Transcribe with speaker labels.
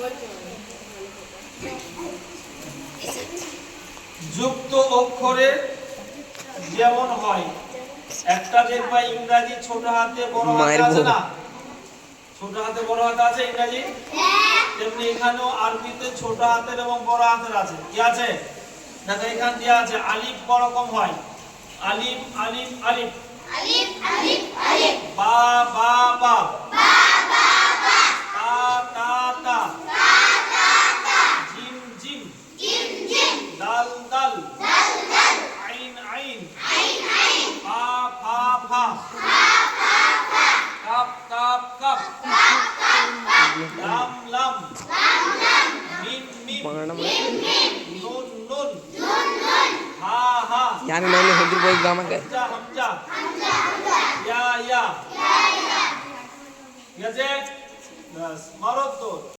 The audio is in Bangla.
Speaker 1: যুক্ত অক্ষরে যেমন হয়, একটা দেখবা ইংরেজি ছোট হাতে বড় হাতে আছে না, ছোট হাতে বড় হাতে আছে ইংরেজি, তেমনি এখানেও আরবিতে ছোট হাতের এবং বড় হাতের আছে। কি আছে দেখো, এখান দিয়ে আছে আলিফ রকম হয়, আলিফ আলিফ আলিফ,
Speaker 2: আলিফ আলিফ আলিফ,
Speaker 1: বা বা বা,
Speaker 2: বা বা বা,
Speaker 1: তা তা তা,
Speaker 2: তা তা তা,
Speaker 1: জিম জিম,
Speaker 2: জিম জিম,
Speaker 1: দাল দাল,
Speaker 2: দাল দাল,
Speaker 1: আইন আইন,
Speaker 2: আইন আইন,
Speaker 1: ফা ফা ফা,
Speaker 2: ফা ফা ফা,
Speaker 1: কাপ কাপ কাপ,
Speaker 2: কাপ কাপ কাপ,
Speaker 1: লাম লাম,
Speaker 2: লাম লাম,
Speaker 1: মিম মিম,
Speaker 2: মিম মিম,
Speaker 1: নুন নুন,
Speaker 2: নুন নুন,
Speaker 1: হা হা,
Speaker 3: জানি না হুজুর বই আমাকে
Speaker 1: হামজা হামজা,
Speaker 2: হামজা হামজা,
Speaker 1: ইয়া ইয়া।
Speaker 2: ইয়া ইয়া।
Speaker 1: ঠিক আছে, বাস মারো তো।